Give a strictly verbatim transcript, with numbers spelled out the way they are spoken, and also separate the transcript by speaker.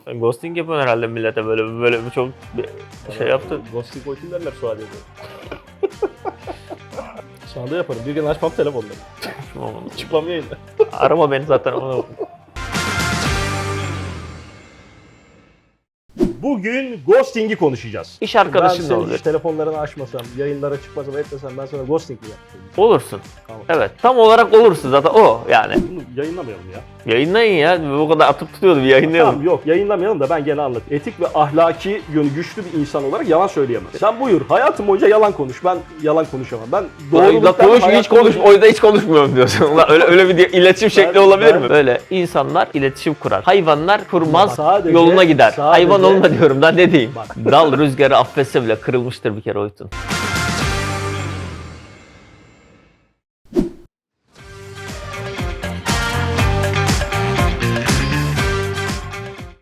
Speaker 1: Ben ghosting yapıyorum herhalde millete böyle böyle bir çok bir şey yaptı.
Speaker 2: Ghosting boyutun derler Suadiye'de. Şu anda yaparım. Bir gün açmam telefonları. Çıkmam yayında.
Speaker 1: Arama beni zaten ama.
Speaker 2: Bugün ghosting'i konuşacağız.
Speaker 1: İş arkadaşın
Speaker 2: ben
Speaker 1: da
Speaker 2: senin
Speaker 1: olur.
Speaker 2: hiç telefonlarını açmasam, yayınlara çıkmasam, etmesem ben sana ghosting mi yaptım?
Speaker 1: Olursun.
Speaker 2: Tamam.
Speaker 1: Evet. Tam olarak olursun zaten o yani.
Speaker 2: Bunu yayınlamayalım ya.
Speaker 1: Yayınlayın ya. Bu kadar atıp tutuyordu bir yayınlayalım.
Speaker 2: Tamam yok yayınlamayalım da ben gene anlatayım. Etik ve ahlaki yönü güçlü bir insan olarak yalan söyleyemem. Sen buyur hayatım boyunca yalan konuş. Ben yalan konuşamam. Ben
Speaker 1: La
Speaker 2: doğruluktan
Speaker 1: konuş hiç
Speaker 2: hayatım
Speaker 1: konuş.
Speaker 2: boyunca-
Speaker 1: O yüzden hiç konuşmuyorum diyorsun. Ulan öyle öyle bir diye- iletişim şekli
Speaker 2: Ben-
Speaker 1: olabilir
Speaker 2: ben-
Speaker 1: mi? Böyle insanlar iletişim kurar. Hayvanlar kurmaz,
Speaker 2: Sadece-
Speaker 1: yoluna gider.
Speaker 2: sadece-
Speaker 1: Hayvan olma diyorum da ne diyeyim?
Speaker 2: Bak.
Speaker 1: Dal rüzgarı affetse bile kırılmıştır bir kere Oytun.